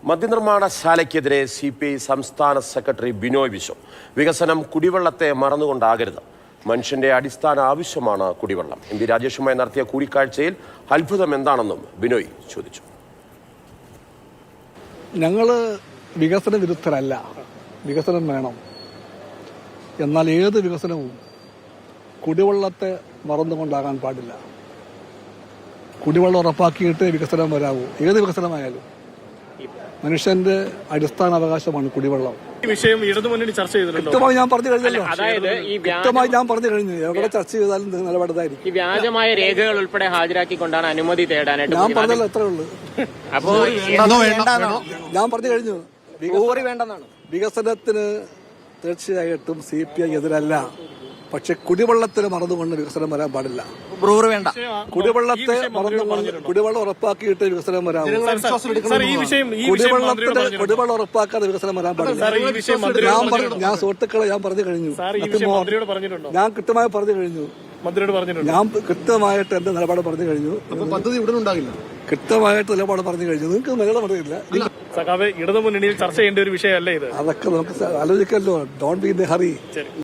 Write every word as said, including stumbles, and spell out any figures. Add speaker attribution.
Speaker 1: മദ്യനിർമ്മാണശാലയ്ക്കെതിരെ C P I സംസ്ഥാന secretary Binoy Viswam. വികസനം കുടിവെള്ളത്തെ മറന്നുകൊണ്ടാകരുത്. മനുഷ്യന്റെ അടിസ്ഥാന ആവശ്യമാണ് കുടിവെള്ളം. എം പി രാജേഷുമായി നടത്തിയ കൂടിക്കാഴ്ചയിൽ അത്ഭുതം എന്താണെന്നും ബിനോയ് ചോദിച്ചു.
Speaker 2: ഞങ്ങൾ വികസന വിരുദ്ധരല്ല, വികസനം വേണം. എന്നാൽ ഏത് വികസനവും കുടിവെള്ളത്തെ മറന്നുകൊണ്ടാകാൻ പാടില്ല. കുടിവെള്ളം ഉറപ്പാക്കിയിട്ട് വികസനം വരാവൂ. ഏത് വികസനമായാലും മനുഷ്യന്റെ അടിസ്ഥാന അവകാശമാണ് കുടിവെള്ളം.
Speaker 3: ഈ വിഷയം ഇടതുമുന്നണി ചർച്ച ചെയ്തിട്ടുണ്ടോ?
Speaker 2: വ്യക്തമായി ഞാൻ പറഞ്ഞു കഴിഞ്ഞല്ലോ.
Speaker 4: അതായത് ഈ
Speaker 2: വ്യക്തമായി ഞാൻ പറഞ്ഞു കഴിഞ്ഞു. എവിടെ ചർച്ച ചെയ്താലും നിലപാടായിരിക്കും.
Speaker 4: ഈ വ്യാജമായ രേഖകൾ ഉൾപ്പെടെ ഹാജരാക്കിക്കൊണ്ടാണ് അനുമതി തേടാനായിട്ട്
Speaker 2: ഞാൻ പറഞ്ഞല്ലോ, എത്രേ ഉള്ളൂ.
Speaker 4: അപ്പോ
Speaker 2: ഞാൻ പറഞ്ഞു കഴിഞ്ഞു. വികസനത്തിന് തീർച്ചയായിട്ടും സി പി ഐ എതിരല്ല. പക്ഷെ കുടിവെള്ളത്തിന് മറന്നുകൊണ്ട് വികസനം വരാൻ പാടില്ല.
Speaker 5: വേണ്ട
Speaker 2: കുടിവെള്ളത്തെ മറന്നുകൊണ്ട് കുടിവെള്ളം ഉറപ്പാക്കിയിട്ട് വികസനം വരാം. കുടിവെള്ളത്തിന് കുടിവെള്ളം ഉറപ്പാക്കാതെ വികസനം വരാൻ പാടില്ല. ഞാൻ ഞാൻ സുഹൃത്തുക്കളെ ഞാൻ പറഞ്ഞു കഴിഞ്ഞു. ഞാൻ കൃത്യമായി പറഞ്ഞു കഴിഞ്ഞു. ഞാൻ കൃത്യമായിട്ട് എന്റെ നിലപാട് പറഞ്ഞു കഴിഞ്ഞു.
Speaker 5: പദ്ധതി ഉടൻ ഉണ്ടാകില്ല.
Speaker 2: കൃത്യമായിട്ട് നിലപാട് പറഞ്ഞു കഴിഞ്ഞു. നിങ്ങൾക്ക് നിലപാട് പറഞ്ഞില്ല.
Speaker 3: ഇടതുമുന്നണിയിൽ ചർച്ച ചെയ്യേണ്ട ഒരു വിഷയമല്ല ഇത്.
Speaker 2: അതൊക്കെ നമുക്ക് ആലോചിക്കല്ലോ. Don't be in a hurry.